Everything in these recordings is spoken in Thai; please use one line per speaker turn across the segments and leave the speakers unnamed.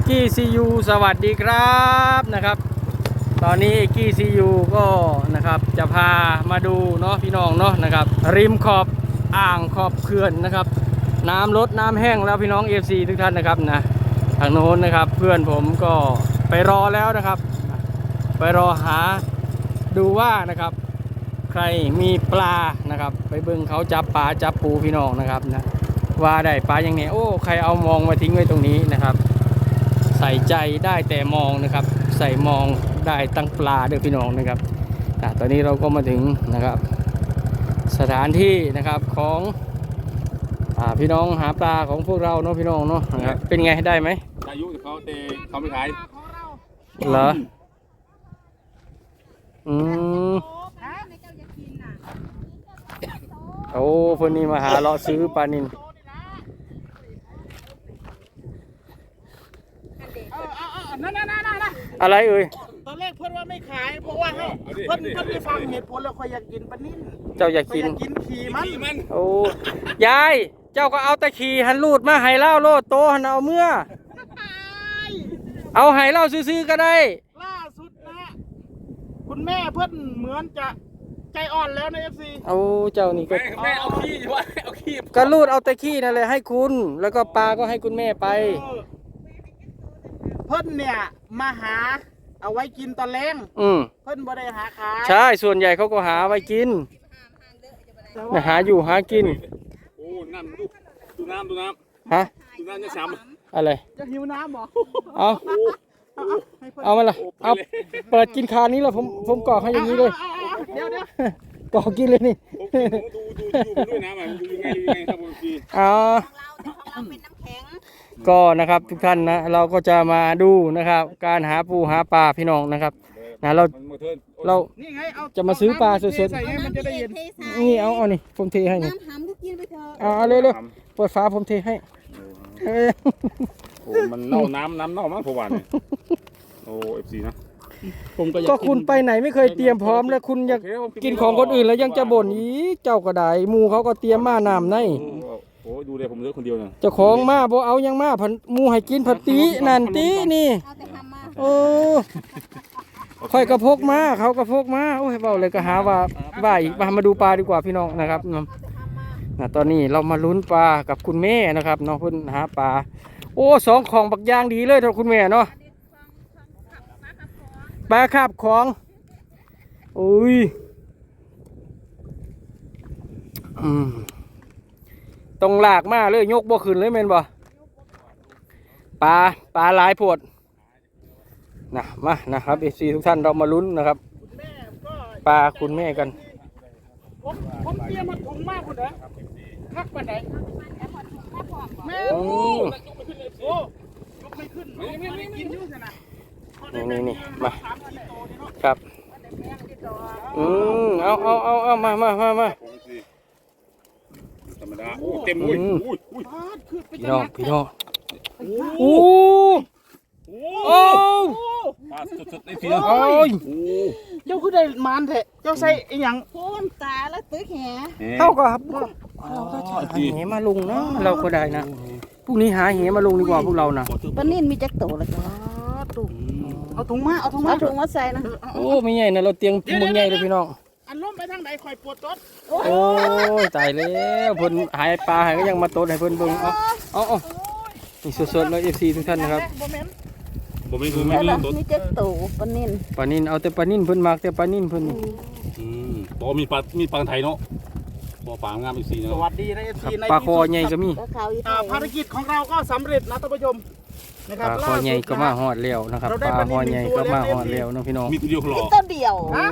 กี้ซียูสวัสดีครับนะครับตอนนี้เอกกี้ซียูก็นะครับจะพามาดูเนาะพี่น้องเนาะนะครับริมขอบอ่างขอบเขื่อนนะครับน้ำลดน้ำแห้งแล้วพี่น้อง FC ทุกท่านนะครับนะทางโน้นนะครับเพื่อนผมก็ไปรอแล้วนะครับไปรอหาดูว่านะครับใครมีปลานะครับไปเบิ่งเขาจับปลาจับปูพี่น้องนะครับนะว่าได้ปลาอย่างนี้โอ้ใครเอามองมาทิ้งไว้ตรงนี้นะครับใส่ใจได้แต่มองนะครับใส่มองได้ตั้งปลาด้วยพี่น้องนะครับตอนนี้เราก็มาถึงนะครับสถานที่นะครับของพี่น้องหาปลาของพวกเราเนาะพี่น้องเนาะนะครับเป็นไงได้ไหม
อายุเขาเตะเขาไม่ขาย
เหรอโอ้เพื่อนนี่มาหาเลาะซื้อปลานิลอะไรเอ่ย
ตอนแรกเพื่อนว่าไม่ขายเพราะว่าให้เพื่อนไม่ฟังเหตุผลแล้วคอยอยากกินปลานิ่ม
เจ้าอยากกิน
ขี่มัน
โอ้ยายเจ้าก็เอาตะขี่หันลูดมาไห่เล่าโลดโตหันเอาเมื่อเอาไห่เล่าซื้อๆก็ได้
ล่าสุดนะคุณแม่เพื่อนเหมือนจะใจอ่อนแล้วใน FC
เอาเจ้านี่ก็
แม่เอาขี้ว่าเอาขี้
ก็ลูดเอาตะขี้นั่นเลยให้คุณแล้วก็ปลาก็ให้คุณแม่ไป
เพื่อนเนี่ยมาหาเอาไว้กินตอนแรงเพื่อนบ่ได้หาขาย
ใช่ส่วนใหญ่เขาก็หาไว้กินหาอยู่หากิน
โอ้น้ำดูน้
ฮะ
ดูน้ำจะช้
ำอะไร
จะหิวน้ำบ่
เอามาละเอาเปิดกินคานี้แล้วผมกรอกให้อย่างนี้เลย
เดี๋ยว
กรอกกินเลยนี่
ดูด้วยน้ำดูยังไงครับผมพี่
ก็นะครับทุกท่านนะเราก็จะมาดูนะครับการหาปูหาปลาพี่น้องนะครับนะเราจะมาซื้อปลาสดๆนี่เอานี่ผมเทให้นี่เอาเร็วๆเปิดฝาผมเทให้
โอ้มันเน่าน้ำเน่ามากพอวันโอ้ FC นะ
ก็คุณไปไหนไม่เคยเตรียมพร้อมแล้วคุณอยากกินของคนอื่นแล้วยังจะบ่นอีเจ้าก็ได้หมูเขาก็เตรียมมาน้ำใน
โอ้ดูเลยผมเลือกคนเดียวนะ
เจ้าของมาบ่เอายังมาผันหมูให้กินผัดตีนั่นตีนี่โอ้ค่อยกระพกมาเขากระพกมาโอ้ยเบาเลยก็หาว่าอีกมาดูปลาดีกว่าพี่น้องนะครับตอนนี้เรามาลุ้นปลากับคุณแม่นะครับน้องเพิ่นหาปลาโอ้สองของบักย่างดีเลยท่านคุณแม่เนาะปลาคาบของอุ้ยต้องลากมาเลยยกบ่ขึ้นเลยแม่นบ่ปลาหลายโพดนะมานะครับFCทุกท่านเรามาลุ้นนะครับปลาคุณแม่กัน
ผมเตรียมมาถุงมากคุณเหรอคักปันไหนแม่โอ้ยกไม่ขึ้นไม่กินยุ่งขนาด
นี่มาครับเอามา
ธรรมดาโอ้เต็มอุ้ย
พี่น้องโอ้
สดๆในทีนะ
เจ้าคือได้มานเถอะเจ้าใส่อีหยัง
พูนตาแล้วตื้อแห
เท่ากับเราก็หาเหมาลงนะเราก็ได้นะพรุ่งนี้หาเหมาลงดีกว่าพวกเรานะ
ปนิ่นมีจักโตแล้วจ้า
ตุ่มเอาถุงมา
ใส่นะ
โอ้ไม่ใหญ่นะเราเตียงมึงใหญ่เลยพี่น้อง
อันล้มไปทางไหนคอยปวดต้น
โอ้ตายแล้วเพิ่นหายปลาหายก็ยังมาโตให้เพิ่นเบิ่งเอานี่สดๆเลยFCทุกท่านนะครับ
บ่มี
มีจักโตป
นิ่นเอาแต่ปลานิ่นเพิ่นมากแต่ปลานิ่นเพิ่น
บ่มีปลาไทยเนาะบ่ปลางามFCเนาะ
สวัสดีนะ FC
ปลาคอใหญ่ก็มี
ภารกิจของเราก็สำเร็จนะท่านผู้ชม
ปลาคอใหญ่ก็มาหอดแล้วนะครับปลาคอใหญ่ก็มาหอดแล้วน้องพี่น้อง
มีตัวเดียวหรอ
ตัวเดียว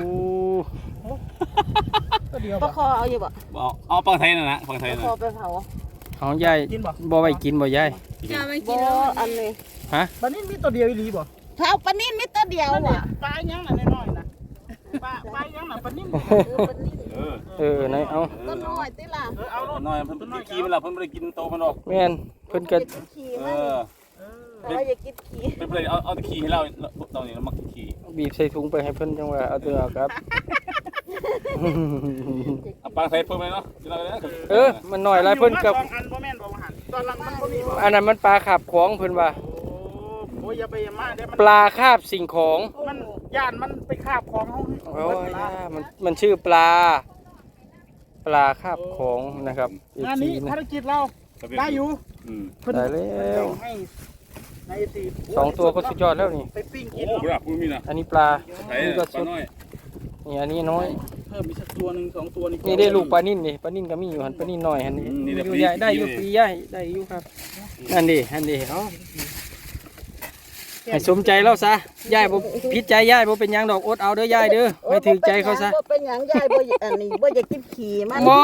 ปลาคอเอาอยู่บ่
เอาปลาไทยนะปลาไทยนะ
คอไปเผา
ของยายบ่ไว้กินบ่ยาย
บ่อันนี้
ฮะ
ปลานิ่นมีตัวเดียวอีหลีบ่
ถ้าเอาปลานิ่นมีตัวเดียวอ่ะ
ปลายังน่ะน้อยๆนะปลายังน่ะปลานิ่น
ไหนเอา
ตัวน้อยติล่ะ
เอาน้อยเพิ่นกินขี้มันล่ะเพิ่นบ่ได้กินโตมันหรอก
แม่นเพิ่นก็
เราอยากกินขี้
เพิ่นบ่ได้เอาแต่ขี้ให้เราตอนนี้เรามักขี้
บีบใส่ถุงไปให้เพิ่นจังว่าเอาตัวครับ
ปลาไทยเพิ่มเลยเนาะ
มันหน่อยไรเพิ่นกับอันนั้นมันปลาขับของเพิ่นว่า
ผอ้ยอย่าไปอย่ามาเดี๋ยวมัน
ปลาคาบสิ่งของ
มันย่านมันไปคาบของเขา
โอ้ยมันชื่อปลาคาบของนะครับ
งานนี้
นะ
ภารกิจเราได้อยู่
ได้แล้ว
ให้ในตี
สองตัวก็สุดยอดแล้วนี่
ไปปิ้ง
โอ้
กิน
โหครับคุณมีนะ
อันนี้ปลา
ไอ้
นี่ก็
ป
สุ
ลา
ด
น้อย
นี่อันนี้น้อย
เพิ่มอีกสักตัวหนึ่งสองตัวนี่
นี่ได้ลูกปลานิ่นนี่ปลานิ่นก็มีอยู่หันปลานิ่นน้อยหันนี่อยู่ใหญ่ได้อยู่ปีใหญ่ได้อยู่ครับนั่นดิเอาให้สมใจเราซะยายบ่พิษใจยายบ่เป็นหยังดอกอดเอาเด้อยายเด้อไม่ถือใจเขาซะ
บ่เป็นหยังยายบ่อันนี้บ่อยากกินขี่มัน
บ่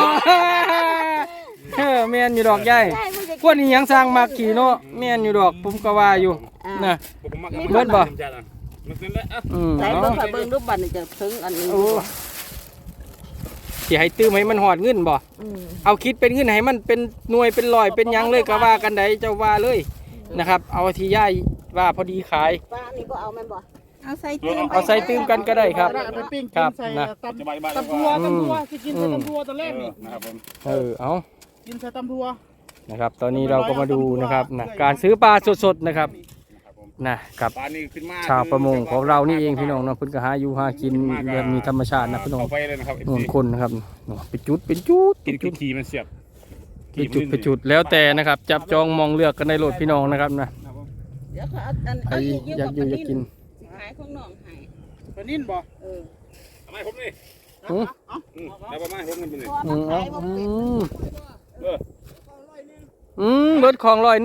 แม่นอยู่ดอกยายพวกนี้ยังสร้างมากขี่เนาะแม่นอยู่ดอกผมก็ว่าอยู่นะ เบิดบ่
มันเป็นแล้ว
ใส่เบิ่งค่ะเบิ่งรูปบัตรนี่จะถึงอันนี้
โอ้สิให้ตื้มให้มันหอดเงินบ่ เอาคิดเป็นเงินให้มันเป็นหน่วยเป็นร้อยเป็นหยังเลยก็ว่ากันได้เจ้าว่าเลยนะครับ เอาที่ย่ายว่าพอดีขาย
ปลานี่บ่เอาแม่นบ่เอาใส่
เอาใส่ตื้มกันก็ได้ครับ
ไปปิ้ง
ค
กิ
รั
น
บ
ใส่
นะ
ตำ
สบายบ้าน
ตำทัวสิกินใส่ตำทัวตอนแรกนี่
นะครับผม
เอา
กินใส่ตำทัว
นะครับ ตอนนี้เราก็มาดูนะครับนะการซื้อปลาสดๆนะครับนะกับ
ปลานี่ขึ้นมา
ชาวประมงของเรานี่เองพี่น้องเนาะเพิ่นก็หาอยู่หากินแบบมีธรรมชาตินะพี่น้อง
เข้าไปเลยนะครับ
นู่นคนนะครับเป็นจุดเป็นจุด
กินคือขี่มันเสียบ
เป็นจุดแล้วแต่นะครับ จับจองมองเลือกกันในรถพี่น้องนะครับนะ
เดี๋ยวเขาเอาอัน
ใครอยากอยู่อยากกิน
ขายของน้องให้
ปลานิ่นบ่
ทำไมผมนี่
อืม
แล้วประมาณผมนี่เป็นไง
อืมเอาอืม
เออ
เบิดของ100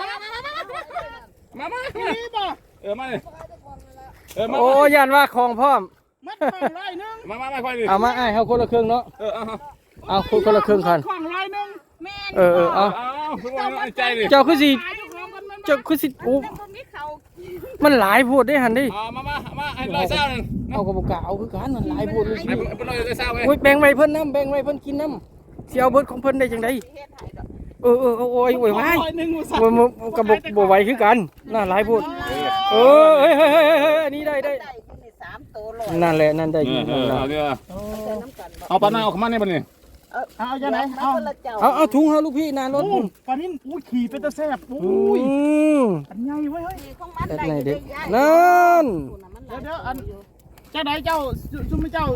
มา
นี่บ่
มาเลยมา
โอ้ยันว่าของพร้อม
มัดของร้อยหนึง
มาค่อยดิ
เอามาไอ้เขาคนละครึ่งเนาะ
เอา
เอาคนละครึ่งคัน
ของร้อยหนึง
แม่น
เอา
ทุกคนใจดิ
เจ้าคือสิ
ขายเจ้าของกันมัน
เจ้าคือสิโอ้
บ่มีเขา
มันหลายโพดได้หันดิ
มาไอ้ร้อยเศร้านึง
เอากระบอกกะเอาคือกันมันหลายโพดเลย
ไอ้เป็นร้อยเศร้าไง
โอ้ยแบ่งไว้เพิ่นน้ำแบ่งไว้เพิ่นกินน้ำเสียเอาเบิดของเพิ่นได้จังได
เฮ็ดให้ดอก
โอ้ยไว้
ร้อยหนึงบ่สั่ง
กระบอกบ่ไหวคือกันน่าหลายโพดเฮ้ยอันนี้ได้
ได้อยู่นี่3ตัวร้อย
นั่นแหละนั่นได้อยู่นั่นล่ะ
ใส่น้ำกันบ่
เอาปลาหน้าออกมาเนี่ยมันนี่
เอาจังไหน
เอา
เอา
คนละเจ้า
เอาถุงเฮาลูกพี่หน้ารถ
โอ้ปลานิ่นอุ้ยขี่เป็นตะแซ่บโอ้ยอันใหญ่เว้ยเฮ้ย
นี่ของมัน
เด็ด
ได้
ไหน
อยู่
เด็ก
ได้ยาย
นั่น
เดี๋ยวอันเจ้าไหนเจ้าซุ่มเจ้า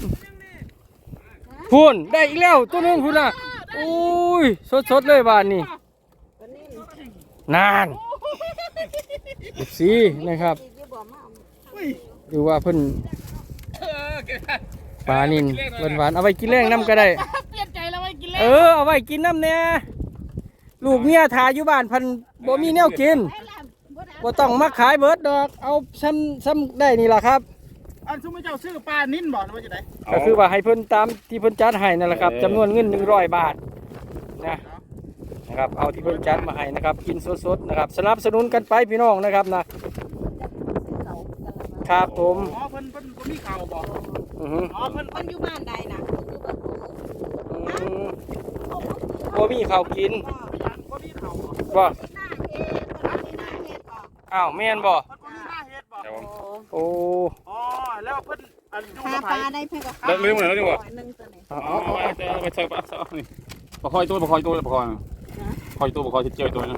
พูนได้อีกแล้วตัวนึงพูนน่ะโอ้ยสดเลยบ้านนี่
ปลานิ่น
นานสีนะครับ
อีกอยู่บ่มา
อุ้ย
ดูว่าเพิ่นปลานินหวานๆเอาไว้กินแรงน้ำก็ได้
เปลี่ยนใจแล้วไว้กินแล้ว
เอาไว้กินน้ำเนี่ยลูกเมียทาอยู่บ้านเพันบ่มีแนวกินบ่ต้องมาขายเบิดดอกเอาซ้ำได้นี่ล่ะครับ
อันซุ่มเจ้าซื้อปลานิ่นบ่หรือว่าจะไหน
ก็คือว่าให้เพิ่นตามที่เพิ่นจัดให้นั่นแหละครับจำนวนเงิน100 บาทนะครับเอาที่เพิ่นจัดมาให้นะครับกินสดๆนะครับสนับสนุนกันไปพี่น้องนะครับนะครับผม
อ๋อเพิ่นมีข่าวบ่
อือฮึ
อ๋อเพิ่น
มันอยู่บ้านใดนะ
บ่มีข้าวกิน
บ่มีข่าวบ่
บ่
หน้าเฮ็ดหน้าเฮ็ดบ่
อ้าวแม่นบ่
เพิ่นบ่มีหน้าเฮ็ดบ่
โอ้
อ๋อแล้วเพิ่นอันอยู่
หา
กับ
ป
ไผ
ลาได้เพิ่นก็
เลิกเหมือนแล้วดีกว่า
1ตัวนี้
เอาไปใส่ปลานี่ประคอยตัวประคอยเจียวตัวนั่น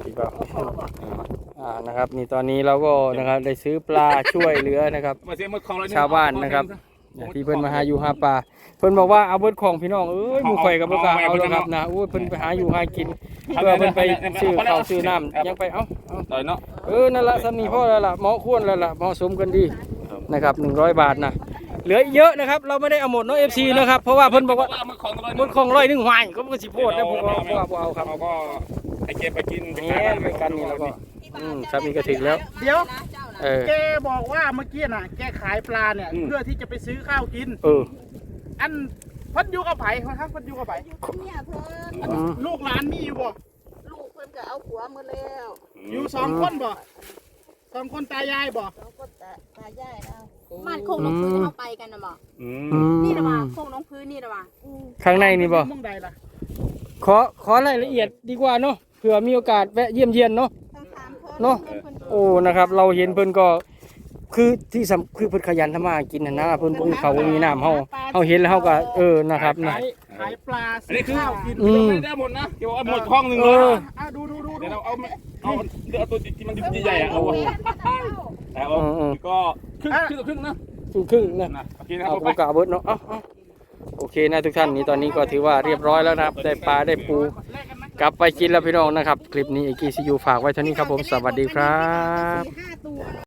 นะครับนี่ตอนนี้เราก็นะครับได้ซื้อปลาช่วยเหลือนะครับ
มาเสียมือของเรา
ชาวบ้านนะครับที่เพิ่นมาหาอยู่หาปลาเพิ่นบอกว่าเอาเบิดของพี่น้องหมู่ข่อยกับบ่กล้าเอาแล้วครับนะเพิ่นไปหาอยู่หากินเพื่อเพิ่นไปซื้อข้าวซื้อน้ำยังไปเอา
ต่อยเนาะ
นั่นละสำนีพ่อแล้วล่ะเหมาะควรแล้วล่ะเหมาะสมกันดีนะครับ100 บาทนะเหลือเยอะนะครับเราไม่ได้เอาหมดเนาะ FC นะครับเพราะว่าเพิ่นบอกว่า
มือของตัว
หมดของ100หวายก็สิโพดนะผมว่าบ่เอาครับ
เราก็ไอเก็บไปกิน
แหมไปกันนี่แล้วก็สามีก็ถึงแล้ว
เดี๋ยว
เ
แกบอกว่าเมื่อกี้น่ะแกขายปลาเนี่ยเพื่อที่จะไปซื้อข้าวกิน อันเพิ่นอยู่กับไผครับเพิ่นอยู่กับไผ
อยู่กับเมียเพิ่น
ลูกหลานมีอยู่บ่
ลูกเพิ่นก็เอาผัวมาแล้ว
อยู่2คนบ่2คนตายายบ่
เราก็ตายายเอา
บ้านโคกน้องพื้นที่เขาไปกันนะบ่นี่นะว่าโคกน้องพื้นนี่นะว่า
ข้างในนี่บ่
มึงใดล่ะ
ขอรายละเอียดดีกว่าเนาะเผื่อมีโอกาสแวะเยี่ยมเยียนเนาะ
ต้องถามเพิ่น
เนาะ โอ้นะครับเราเห็นเพิ่นก็คือที่คือเพิ่นขยันทำมาหากินนะเพิ่นมีเขาวมีน้ำเฮาเห็นแล้วเฮาก็นะครับนะ
ขายปลาซื้อข้าวกิน
ไม่ได้หมดนะเดี๋ยวเอาหมดห้องหนึ่งเลย
ดู
ดี๋ยวเราเอาตัวที่มันใหญ่ๆเอาก็ครึ่งนะ
ครึ่งนะ
โอเคนะ
เอา
ไป
โอกาสเบิร์ดเนาะเอาโอเคนะทุกท่านนี้ตอนนี้ก็ถือว่าเรียบร้อยแล้วนะครับได้ปลาได้ปูกลับไปกินแล้วพี่น้องนะครับคลิปนี้ไอกี้ซียูฝากไว้เท่านี้ครับผมสวัสดีครับ
4-5 ตัว